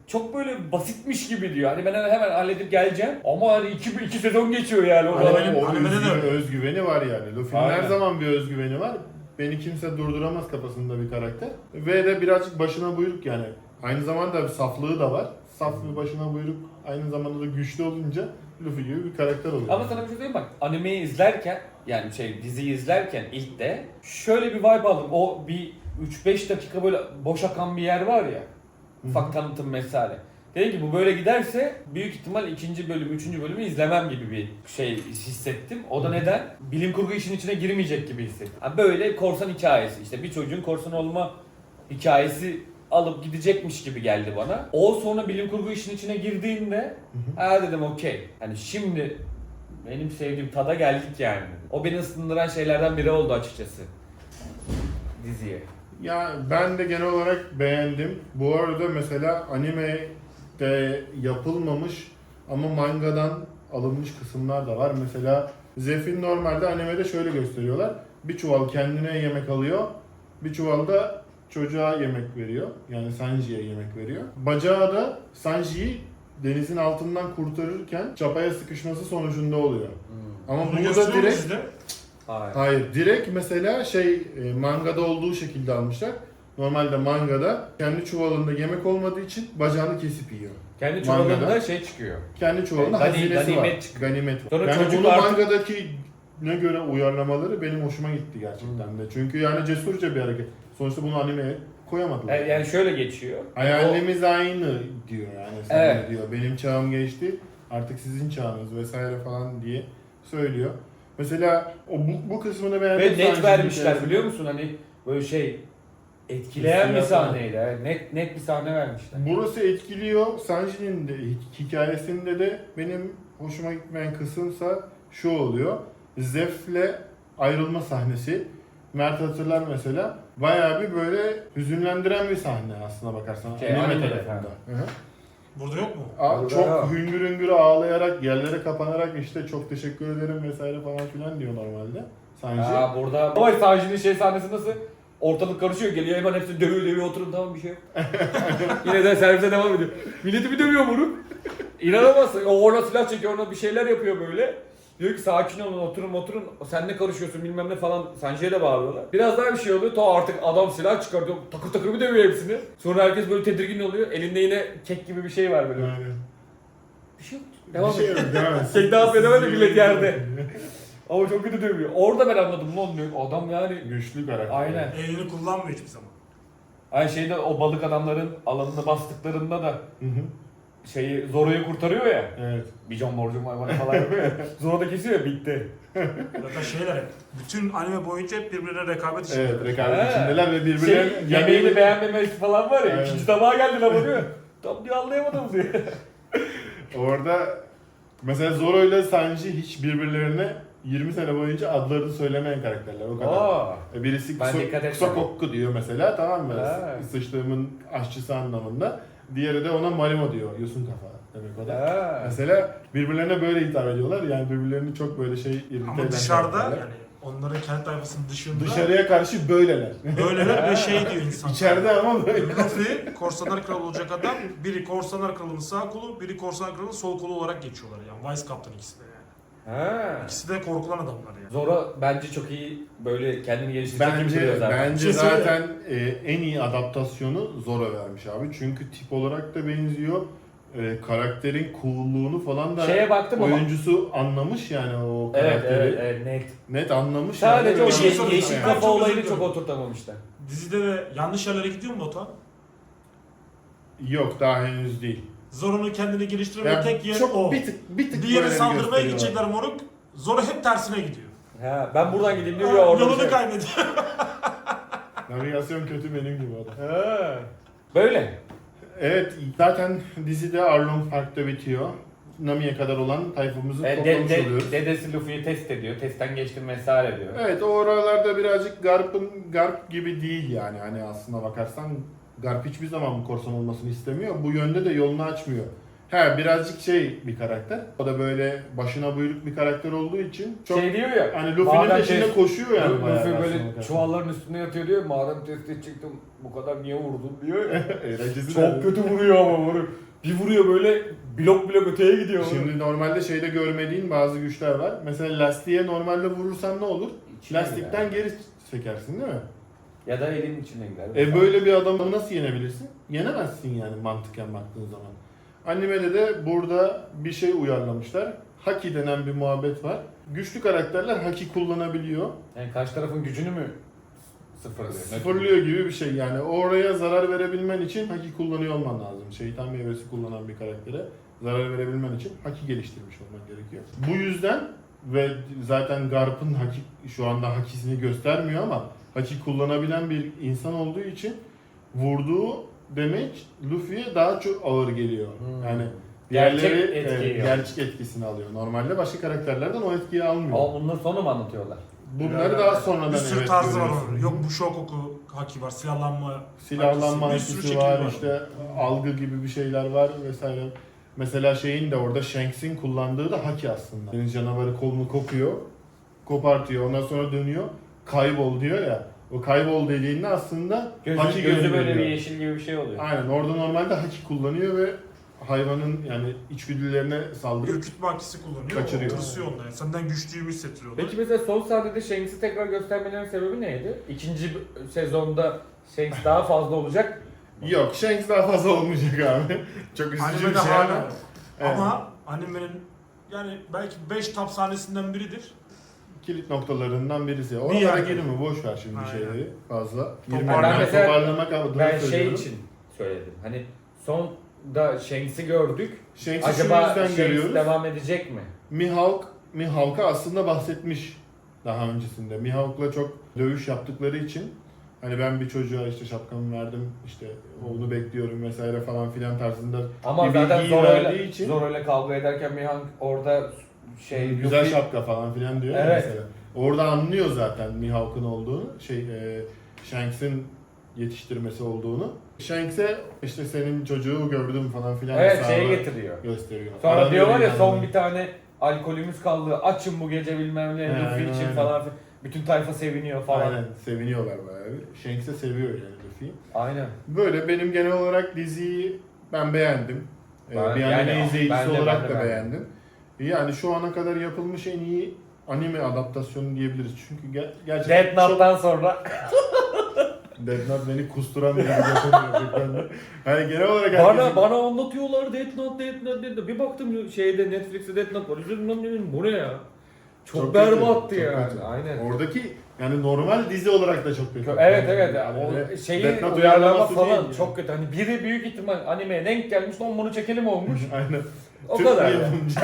[SPEAKER 2] çok böyle basitmiş gibi diyor. Hani ben hemen halledip geleceğim ama hani iki, iki sezon geçiyor yani. O
[SPEAKER 3] Hani
[SPEAKER 2] kadar.
[SPEAKER 3] benim-
[SPEAKER 1] o
[SPEAKER 3] animede de
[SPEAKER 1] özgüven-
[SPEAKER 3] öyle.
[SPEAKER 1] özgüveni var yani. Luffy'nin
[SPEAKER 2] Aynen.
[SPEAKER 1] her zaman bir özgüveni var. Beni kimse durduramaz kafasında bir karakter. Ve de birazcık başına buyruk yani. Aynı zamanda bir saflığı da var. Saf ve başına buyruk aynı zamanda da güçlü olunca Luffy gibi bir karakter oluyor.
[SPEAKER 2] Ama sana bir şey söyleyeyim bak, animeyi izlerken yani şey diziyi izlerken ilk de şöyle bir vibe aldım. O bir üç beş dakika böyle boş akan bir yer var ya. Ufak tanıtım mesale. Dedim ki bu böyle giderse büyük ihtimal ikinci bölüm, üçüncü bölümü izlemem gibi bir şey hissettim. O da neden? Bilim kurgu işin içine girmeyecek gibi hissettim. Ha böyle korsan hikayesi, işte bir çocuğun korsan olma hikayesi alıp gidecekmiş gibi geldi bana. O sonra bilim kurgu işin içine girdiğinde ha dedim okey. Hani şimdi benim sevdiğim tada geldik yani. O beni ısındıran şeylerden biri oldu açıkçası diziye.
[SPEAKER 1] Ya ben de genel olarak beğendim. Bu arada mesela animede yapılmamış ama mangadan alınmış kısımlar da var. Mesela Zeph'in normalde animede şöyle gösteriyorlar. Bir çuval kendine yemek alıyor. Bir çuval da çocuğa yemek veriyor. Yani Sanji'ye yemek veriyor. Bacağı da Sanji'yi denizin altından kurtarırken çapaya sıkışması sonucunda oluyor. Ama
[SPEAKER 3] Bunu
[SPEAKER 1] burada
[SPEAKER 3] gösteriyor mu
[SPEAKER 1] direkt
[SPEAKER 3] sizde?
[SPEAKER 2] Hayır.
[SPEAKER 1] hayır, direkt mesela şey e, mangada olduğu şekilde almışlar. Normalde mangada kendi çuvalında yemek olmadığı için bacağını kesip yiyor.
[SPEAKER 2] Kendi
[SPEAKER 1] Mangada.
[SPEAKER 2] çuvalında şey çıkıyor.
[SPEAKER 1] Kendi çuvalında
[SPEAKER 2] Gani-
[SPEAKER 1] hazinesi
[SPEAKER 2] ganimet
[SPEAKER 1] var.
[SPEAKER 2] çıkıyor.
[SPEAKER 1] Ganimet var.
[SPEAKER 2] Sonra
[SPEAKER 1] Yani
[SPEAKER 2] çocuk
[SPEAKER 1] bunu
[SPEAKER 2] artık-
[SPEAKER 1] mangadaki ne göre uyarlamaları benim hoşuma gitti gerçekten de. Çünkü yani cesurca bir hareket. Sonuçta bunu animeye koyamadılar.
[SPEAKER 2] Yani, yani şöyle geçiyor.
[SPEAKER 1] Hayalimiz aynı diyor yani. Sana
[SPEAKER 2] Evet.
[SPEAKER 1] diyor. Benim çağım geçti. Artık sizin çağınız vesaire falan diye söylüyor. Mesela o bu, bu kısmını
[SPEAKER 2] O,
[SPEAKER 1] beğendim.
[SPEAKER 2] ve net
[SPEAKER 1] Sanji'nin
[SPEAKER 2] vermişler
[SPEAKER 1] hikayesini.
[SPEAKER 2] biliyor musun? Hani böyle şey etkileyen bir
[SPEAKER 1] Hissiyat
[SPEAKER 2] sahneydi. Yani net net bir sahne vermişler.
[SPEAKER 1] Burası etkiliyor. Sanji'nin de hikayesinde de benim hoşuma gitmeyen kısımsa şu oluyor. Zeph'le ayrılma sahnesi. Mert hatırlar mesela. Bayağı bir böyle hüzünlendiren bir sahne aslına bakarsan.
[SPEAKER 2] Şey,
[SPEAKER 1] Anime
[SPEAKER 2] animede
[SPEAKER 1] tarafında.
[SPEAKER 2] falan.
[SPEAKER 1] Hı hı.
[SPEAKER 3] Burada yok mu?
[SPEAKER 1] Aa,
[SPEAKER 2] Orada
[SPEAKER 1] çok
[SPEAKER 2] ya.
[SPEAKER 1] hüngür hüngür ağlayarak, yerlere kapanarak işte çok teşekkür ederim vesaire falan filan diyor normalde. Sanji.
[SPEAKER 2] Aa burada ama Sanji'nin şey sahnesi nasıl? Ortalık karışıyor, geliyor hemen hepsi dövüyor dövüyor oturun tamam bir şey yok. Yine de servise devam ediyor. Milleti bir dövüyor moruk. İnanamazsın. O orada silah çekiyor, ona bir şeyler yapıyor böyle. Diyor ki sakin olun, oturun oturun. Sen ne karışıyorsun bilmem ne falan. Sanji'ye de bağırıyorlar. Biraz daha bir şey oluyor. Ta artık adam silah çıkartıyor. Takır takır bir dövüyor hepsini. Sonra herkes böyle tedirgin oluyor. Elinde yine kek gibi bir şey var böyle.
[SPEAKER 1] Yani.
[SPEAKER 2] Bir şey yok. Devam
[SPEAKER 1] bir şey
[SPEAKER 2] et.
[SPEAKER 1] yok, devam et.
[SPEAKER 2] Tek daha edemedi millet yerde. Ama çok kötü dövüyor. Orada ben anladım lan diyor. Adam yani.
[SPEAKER 1] Güçlü karakter.
[SPEAKER 2] Aynen.
[SPEAKER 3] Elini kullanmıyor hiçbir zaman.
[SPEAKER 2] Aynı şeyde o balık adamların alanını bastıklarında da
[SPEAKER 1] Hı hı.
[SPEAKER 2] şeyi Zoro'yu kurtarıyor ya.
[SPEAKER 1] Evet.
[SPEAKER 2] Bijon morcum hayvanı falan yapıyor ya. Zoro da kesiyor ya bitti.
[SPEAKER 3] Zaten şeyler hep. Bütün anime boyunca hep birbirine rekabet içinde.
[SPEAKER 1] Evet, rekabet
[SPEAKER 2] He.
[SPEAKER 1] içindeler ve
[SPEAKER 2] Şey,
[SPEAKER 1] birbirlerinin
[SPEAKER 2] yemeğini beğenmemesi falan var ya.
[SPEAKER 1] Evet.
[SPEAKER 2] İkinci tabağa geldi lan diyor. Tam diyor anlayamadım diyor.
[SPEAKER 1] Orada mesela Zoro ile Sanji hiç birbirlerine yirmi sene boyunca adlarını söylemeyen karakterler o kadar.
[SPEAKER 2] Aa.
[SPEAKER 1] E, Birisi
[SPEAKER 2] Ben
[SPEAKER 1] Kuso,
[SPEAKER 2] dikkat etmedim.
[SPEAKER 1] Kusokokku diyor mesela, tamam mı?
[SPEAKER 2] Ha.
[SPEAKER 1] Sıçtığımın aşçısı anlamında. Diğeri de ona Marimo diyor. Yosun kafa demek o da.
[SPEAKER 2] Ha.
[SPEAKER 1] Mesela birbirlerine böyle hitap ediyorlar. Yani birbirlerini çok böyle şey irrite eden
[SPEAKER 3] Ama dışarıda
[SPEAKER 1] karakterler.
[SPEAKER 3] yani onların kendi tayfasının dışında
[SPEAKER 1] Dışarıya karşı böyleler.
[SPEAKER 3] böyleler ve şey diyor insanlar.
[SPEAKER 1] İçeride ama böyle.
[SPEAKER 3] Luffy korsanlar kralı olacak adam. Biri korsanlar kralının sağ kolu, biri korsanlar kralının sol kolu olarak geçiyorlar yani. Vice Captain ikisi de yani.
[SPEAKER 2] Ha.
[SPEAKER 3] İkisi de korkulan adamlar yani.
[SPEAKER 2] Zoro bence çok iyi böyle kendini geliştirecek gibi duruyor
[SPEAKER 1] Bence
[SPEAKER 2] zaten.
[SPEAKER 1] bence
[SPEAKER 3] Şey söyle.
[SPEAKER 1] zaten e, en iyi adaptasyonu Zoro vermiş abi. Çünkü tip olarak da benziyor. E, karakterin coolluğunu falan da
[SPEAKER 2] Şeye baktım ama.
[SPEAKER 1] oyuncusu anlamış yani o
[SPEAKER 2] Evet
[SPEAKER 1] karakteri.
[SPEAKER 2] evet evet net.
[SPEAKER 1] Net anlamış.
[SPEAKER 2] Sadece
[SPEAKER 1] yani.
[SPEAKER 2] o
[SPEAKER 3] Bir şey
[SPEAKER 2] ye-
[SPEAKER 3] sorayım
[SPEAKER 2] yeşil
[SPEAKER 3] sana.
[SPEAKER 2] kafa
[SPEAKER 3] Ben çok
[SPEAKER 2] olayını
[SPEAKER 3] özür
[SPEAKER 2] çok
[SPEAKER 3] dilerim.
[SPEAKER 2] oturtamamışlar.
[SPEAKER 3] Dizide de yanlış yerlere gidiyor mu Batuhan?
[SPEAKER 1] Yok, daha henüz değil.
[SPEAKER 3] Zoro'nun kendini geliştirme
[SPEAKER 1] Yani
[SPEAKER 3] tek yeri
[SPEAKER 1] çok
[SPEAKER 3] o.
[SPEAKER 1] bir tık bir tık
[SPEAKER 3] Diğeri
[SPEAKER 1] böyle
[SPEAKER 3] saldırmaya
[SPEAKER 1] gösteriyorlar.
[SPEAKER 3] gidecekler moruk. Zoro hep tersine gidiyor.
[SPEAKER 2] Ha, ben buradan gideyim diyor
[SPEAKER 3] Ha,
[SPEAKER 2] ya orada. bir
[SPEAKER 3] Yolunu
[SPEAKER 2] şey.
[SPEAKER 3] kaybediyor.
[SPEAKER 1] Navigasyon kötü benim gibi adam.
[SPEAKER 2] Ha. Böyle.
[SPEAKER 1] Evet, zaten dizide Arlong Park'ta bitiyor. Nami'ye kadar olan tayfamızı
[SPEAKER 2] E, de,
[SPEAKER 1] toplamış
[SPEAKER 2] de,
[SPEAKER 1] oluyoruz.
[SPEAKER 2] dedesi Luffy'yi test ediyor. Testten geçtim vesaire diyor.
[SPEAKER 1] Evet, o oralarda birazcık Garp'ın Garp gibi değil yani. Hani aslına bakarsan Garp hiçbir zaman bu korsan olmasını istemiyor. Bu yönde de yolunu açmıyor. He birazcık şey bir karakter. O da böyle başına buyruk bir karakter olduğu için çok
[SPEAKER 2] Şey diyor ya.
[SPEAKER 1] hani Luffy'nin
[SPEAKER 2] madem
[SPEAKER 1] peşinde
[SPEAKER 2] test-
[SPEAKER 1] koşuyor yani
[SPEAKER 2] Luffy
[SPEAKER 1] bayağı.
[SPEAKER 2] böyle
[SPEAKER 1] aslında.
[SPEAKER 2] çuvalların üstüne yatıyor diyor. Madem testi çıktım bu kadar niye vurdun diyor ya.
[SPEAKER 1] Eğlencesi
[SPEAKER 2] Çok
[SPEAKER 1] de-
[SPEAKER 2] kötü vuruyor ama vuruyor. Bir vuruyor böyle blok blok öteye gidiyor.
[SPEAKER 1] Şimdi normalde şeyde görmediğin bazı güçler var. Mesela lastiğe normalde vurursan ne olur?
[SPEAKER 2] İçine
[SPEAKER 1] Lastikten
[SPEAKER 2] gider.
[SPEAKER 1] geri çekersin değil mi?
[SPEAKER 2] Ya da elin içine gider.
[SPEAKER 1] E böyle bir adamı nasıl yenebilirsin? Yenemezsin yani mantıken baktığın zaman. Animede de burada bir şey uyarlamışlar. Haki denen bir muhabbet var. Güçlü karakterler haki kullanabiliyor.
[SPEAKER 2] Yani karşı tarafın gücünü mü sıfırlıyor?
[SPEAKER 1] Sıfırlıyor gibi bir şey yani. Oraya zarar verebilmen için haki kullanıyor olman lazım. Şeytan meyvesi kullanan bir karaktere zarar verebilmen için haki geliştirmiş olman gerekiyor. Bu yüzden ve zaten Garp'ın haki şu anda hakisini göstermiyor ama haki kullanabilen bir insan olduğu için vurduğu damage Luffy'ye daha çok ağır geliyor.
[SPEAKER 2] Hmm.
[SPEAKER 1] Yani
[SPEAKER 2] Gerçek
[SPEAKER 1] diğerleri
[SPEAKER 2] etkiyi
[SPEAKER 1] e,
[SPEAKER 2] yok.
[SPEAKER 1] gerçek etkisini alıyor. Normalde başka karakterlerden o etkiyi almıyor.
[SPEAKER 2] Ama bunları sonra mı anlatıyorlar?
[SPEAKER 1] Bunları daha sonradan
[SPEAKER 3] Bir sürü
[SPEAKER 1] evet
[SPEAKER 3] tarzı var
[SPEAKER 1] görüyorsun.
[SPEAKER 3] onun. Yok bu Shokoku haki var, silahlanma
[SPEAKER 1] Silahlanma
[SPEAKER 3] hakisi, bir sürü
[SPEAKER 1] hakisi
[SPEAKER 3] şekli
[SPEAKER 1] var, işte algı gibi bir şeyler var vesaire. Mesela şeyin de orada Shanks'in kullandığı da haki aslında. Deniz canavarı kolunu kopuyor, kopartıyor, ondan sonra dönüyor, kaybol diyor ya. O kaybol dediğinde aslında
[SPEAKER 2] Gözü,
[SPEAKER 1] haki
[SPEAKER 2] gözü böyle
[SPEAKER 1] gönderiyor.
[SPEAKER 2] bir yeşil gibi bir şey oluyor.
[SPEAKER 1] Aynen orada normalde haki kullanıyor ve hayvanın yani içgüdülerine saldırıp
[SPEAKER 3] ürkütme hakisi kullanıyor.
[SPEAKER 1] Kaçırıyor.
[SPEAKER 3] O tırsıyor ondan. Yani senden güçlüyümü hissettiriyor.
[SPEAKER 2] Peki mesela son sahnede Shanks'i tekrar göstermelerinin sebebi neydi? İkinci sezonda Shanks daha fazla olacak.
[SPEAKER 1] yok Shanks daha fazla olmayacak abi. Çok üzücü
[SPEAKER 3] Animede
[SPEAKER 1] bir şey
[SPEAKER 3] hala.
[SPEAKER 1] ama. Evet.
[SPEAKER 3] Ama animenin yani belki beş top sahnesinden biridir.
[SPEAKER 1] Kilit noktalarından birisi. Oralara
[SPEAKER 3] yani.
[SPEAKER 1] girme boş ver şimdi
[SPEAKER 3] Aynen.
[SPEAKER 1] şeyleri fazla.
[SPEAKER 3] Ben
[SPEAKER 1] Girme. Ben
[SPEAKER 2] mesela-
[SPEAKER 1] toparlamak adına
[SPEAKER 2] Ben şey
[SPEAKER 1] söylüyorum.
[SPEAKER 2] için söyledim. Hani sonda Shanks'i gördük.
[SPEAKER 1] Shanks'i şu
[SPEAKER 2] Acaba
[SPEAKER 1] yüzden
[SPEAKER 2] Shanks
[SPEAKER 1] görüyoruz.
[SPEAKER 2] devam edecek mi?
[SPEAKER 1] Mihawk, Mihawk'a aslında bahsetmiş daha öncesinde. Mihawk'la çok dövüş yaptıkları için hani ben bir çocuğa işte şapkamı verdim, işte onu bekliyorum vesaire falan filan tarzında
[SPEAKER 2] Ama
[SPEAKER 1] bir
[SPEAKER 2] zaten
[SPEAKER 1] bilgiyi
[SPEAKER 2] Zoro'yla
[SPEAKER 1] verdiği için
[SPEAKER 2] Zoro'yla kavga ederken Mihawk orada şey
[SPEAKER 1] güzel
[SPEAKER 2] Luffy-
[SPEAKER 1] şapka falan filan diyor ya
[SPEAKER 2] Evet.
[SPEAKER 1] mesela. Orada anlıyor zaten Mihawk'ın olduğunu, şey e, Shanks'in yetiştirmesi olduğunu. Shanks'e işte senin çocuğu gördüm falan filan
[SPEAKER 2] Evet
[SPEAKER 1] hesabı
[SPEAKER 2] şeyi getiriyor.
[SPEAKER 1] gösteriyor.
[SPEAKER 2] Sonra
[SPEAKER 1] Aranıyor
[SPEAKER 2] diyorlar ya
[SPEAKER 1] yani.
[SPEAKER 2] son bir tane alkolümüz kaldı. Açın bu gece bilmem ne
[SPEAKER 1] He,
[SPEAKER 2] Luffy
[SPEAKER 1] aynen,
[SPEAKER 2] için
[SPEAKER 1] aynen.
[SPEAKER 2] falan. filan. Bütün tayfa seviniyor falan.
[SPEAKER 1] Aynen seviniyorlar bayağı bir. Shanks'e seviyor yani Luffy'yi.
[SPEAKER 2] Aynen.
[SPEAKER 1] Böyle benim genel olarak diziyi ben beğendim. Ee,
[SPEAKER 2] Ben-
[SPEAKER 1] bir
[SPEAKER 2] yani
[SPEAKER 1] anime izleyicisi
[SPEAKER 2] ben de-
[SPEAKER 1] olarak
[SPEAKER 2] ben de
[SPEAKER 1] da
[SPEAKER 2] beğendim.
[SPEAKER 1] beğendim. Yani şu ana kadar yapılmış en iyi anime adaptasyonu diyebiliriz. Çünkü ger- gerçekten
[SPEAKER 2] Death Note'dan sonra
[SPEAKER 1] Death Note beni kusturan bir dizi yapamıyor. Yani genel olarak
[SPEAKER 2] bana
[SPEAKER 1] herkesin-
[SPEAKER 2] bana anlatıyorlar Death Note, Death Note, Death Note. Bir baktım şeyde Netflix'te Death Note var. Üzüldüm dedim bu ne ya? Çok,
[SPEAKER 1] Çok
[SPEAKER 2] berbattı
[SPEAKER 1] kötü, çok
[SPEAKER 2] yani.
[SPEAKER 1] kötü.
[SPEAKER 2] Aynen.
[SPEAKER 1] Oradaki yani normal dizi olarak da çok kötü.
[SPEAKER 2] Evet
[SPEAKER 1] Yani
[SPEAKER 2] evet.
[SPEAKER 1] yani
[SPEAKER 2] O
[SPEAKER 1] öyle
[SPEAKER 2] şeyi
[SPEAKER 1] Death Note
[SPEAKER 2] uyarlama
[SPEAKER 1] uyarlaması
[SPEAKER 2] falan
[SPEAKER 1] değil yani.
[SPEAKER 2] çok kötü. Hani biri büyük ihtimal animeye denk gelmiş lan bunu çekelim olmuş.
[SPEAKER 1] Aynen.
[SPEAKER 2] O
[SPEAKER 1] Türk
[SPEAKER 2] kadar
[SPEAKER 1] bir
[SPEAKER 2] yani.
[SPEAKER 1] yapımcı.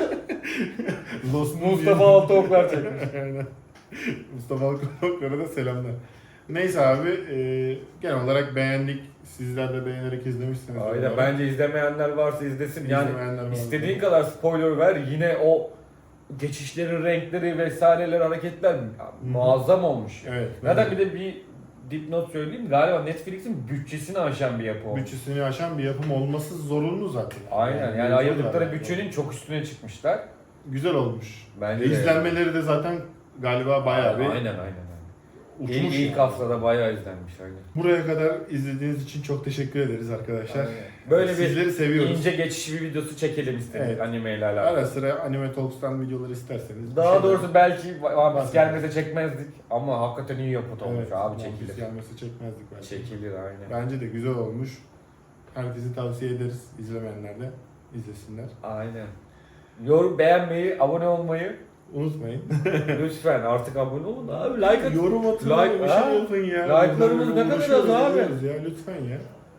[SPEAKER 1] Lost
[SPEAKER 2] Mustafa Altıoklar çekmiş.
[SPEAKER 1] Aynen. Mustafa Altıoklar'a da selamlar. Neyse abi, e, genel olarak beğendik. Sizler de beğenerek izlemişsiniz.
[SPEAKER 2] Aynen bence izlemeyenler varsa izlesin. Yani
[SPEAKER 1] İzlemeyenler varsa.
[SPEAKER 2] istediğin kadar spoiler ver yine o geçişlerin renkleri vesaireler hareketler muazzam olmuş.
[SPEAKER 1] Evet.
[SPEAKER 2] Zaten bir de bir dipnot söyleyeyim galiba Netflix'in bütçesini aşan bir yapı olmuş.
[SPEAKER 1] bütçesini aşan bir yapım olması zorunlu zaten.
[SPEAKER 2] Aynen yani
[SPEAKER 1] mevzu
[SPEAKER 2] ayırdıkları
[SPEAKER 1] var.
[SPEAKER 2] bütçenin çok üstüne çıkmışlar.
[SPEAKER 1] Güzel olmuş.
[SPEAKER 2] Bence
[SPEAKER 1] E,
[SPEAKER 2] de.
[SPEAKER 1] İzlenmeleri de zaten galiba bayağı bir
[SPEAKER 2] Aynen aynen. aynen.
[SPEAKER 1] uçmuş.
[SPEAKER 2] İlk, ilk
[SPEAKER 1] yani.
[SPEAKER 2] haftada bayağı izlenmiş aynen.
[SPEAKER 1] Buraya kadar izlediğiniz için çok teşekkür ederiz arkadaşlar.
[SPEAKER 2] Aynen. Böyle bir
[SPEAKER 1] Sizleri seviyoruz.
[SPEAKER 2] ince geçiş bir videosu çekelim istedik
[SPEAKER 1] Evet.
[SPEAKER 2] anime ile alakalı.
[SPEAKER 1] Ara sıra Anime Talks'tan videolar isterseniz. bir
[SPEAKER 2] Daha
[SPEAKER 1] şeyler-
[SPEAKER 2] doğrusu belki One Piece
[SPEAKER 1] Bahsedelim.
[SPEAKER 2] gelmese çekmezdik ama hakikaten iyi yapıt olmuş
[SPEAKER 1] Evet,
[SPEAKER 2] abi
[SPEAKER 1] One Piece
[SPEAKER 2] çekilir.
[SPEAKER 1] gelmesi çekmezdik belki.
[SPEAKER 2] Çekilir aynen.
[SPEAKER 1] Bence de güzel olmuş. Herkese tavsiye ederiz. İzlemeyenler de izlesinler.
[SPEAKER 2] Aynen. Yorum beğenmeyi, abone olmayı
[SPEAKER 1] Unutmayın.
[SPEAKER 2] lütfen artık abone olun abi like atın.
[SPEAKER 1] Yorum atın.
[SPEAKER 2] Like-
[SPEAKER 1] bir
[SPEAKER 2] ha?
[SPEAKER 1] şey yapın ya.
[SPEAKER 2] Like'larımız
[SPEAKER 1] Burada
[SPEAKER 2] ne kadar
[SPEAKER 1] uğraşıyoruz,
[SPEAKER 2] az abi?
[SPEAKER 1] ediyoruz ya. Lütfen ya.